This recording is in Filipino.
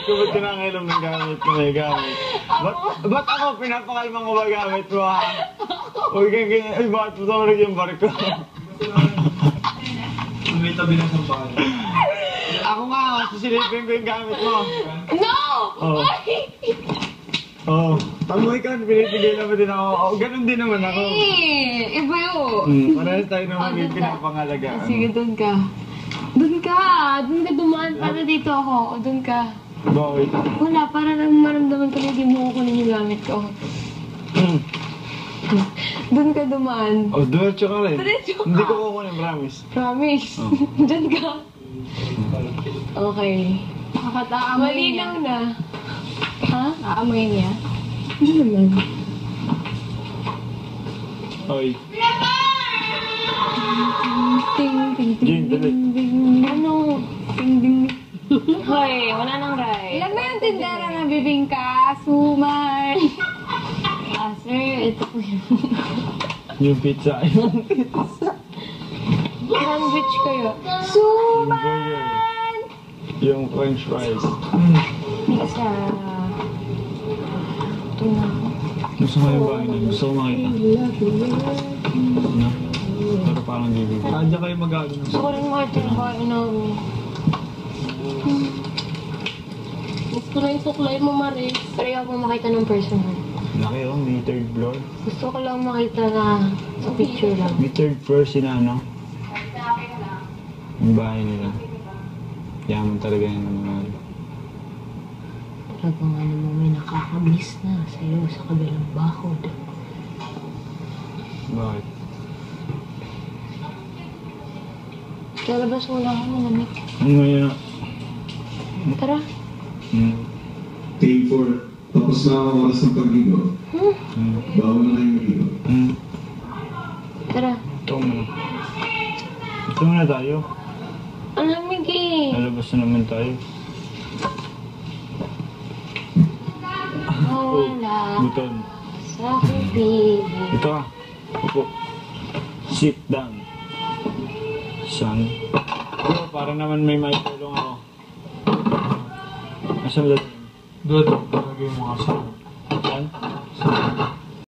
ko, ba't kinakailam ng gamit ko may gamit? Ba't ako pinapakalmang ko ba gamit mo ha? Huwag kang ganyan, ay bakit mo tumulog yung barko? May tabi ng sampahan. Ako nga, sisilipin ko yung gamit mo. No! Oo. Oo. Tamoy ka, pinipigay naman din ako. Oo, ganun din naman ako. Eh, iba yun. Parehas tayo naman yung pinapangalagaan. Sige, doon ka. Doon ka! Doon ka dumaan para dito ako. O, doon ka. Bakit? Wala, para lang maramdaman ko na hindi mo kukunin yung gamit ko. Doon ka dumaan. Oh, diretso ka rin. Diretso ka. Hindi ko kukunin, promise. Promise. Diyan ka. Okay. Nakakataamoy niya. Malinaw na. Ha? Aamoy niya. Hindi naman. Oy. Ting, ting, ting, Jane, dali. ting, ting. Ano? Ting, ting. Hoy, wala nang right. Ilan ba yung tindera na bibingka? Sumay. Sir, ito po yun. Yung pizza. Yung pizza. Sandwich kayo. Yung burger. Yung french fries. Pizza. Ito na. Gusto ko yung bahay na. Gusto ko makita. No? Pero parang bibig. Kanya kayo mag-ano. Gusto ko rin makita yung bahay namin. Gusto na yung suklay mo, Maris. Pero ayaw ko makita ng personal. Laki oh, may third floor. Gusto ko lang makita na sa picture lang. May third floor sila, no? Yung bahay nila. Yaman talaga yung naman. Talagang ano mo, may nakakamiss na sa'yo sa kabilang bakod. Bakit? Lalabas mo lang ako, malamig. Ano yun? Tara. Day 4. Tapos na ang oras ng pagligo. Bawal na kayo magligo. Tara. Ito muna. Ito muna tayo. Ang lamig eh. Lalabas na naman tayo. Wala Buton. sa kubig. Ito ah. Upo. Sit down. Son. Bro, para naman may maitulong ako. Asan ba? Doon, lagay mo nga sa. Saan?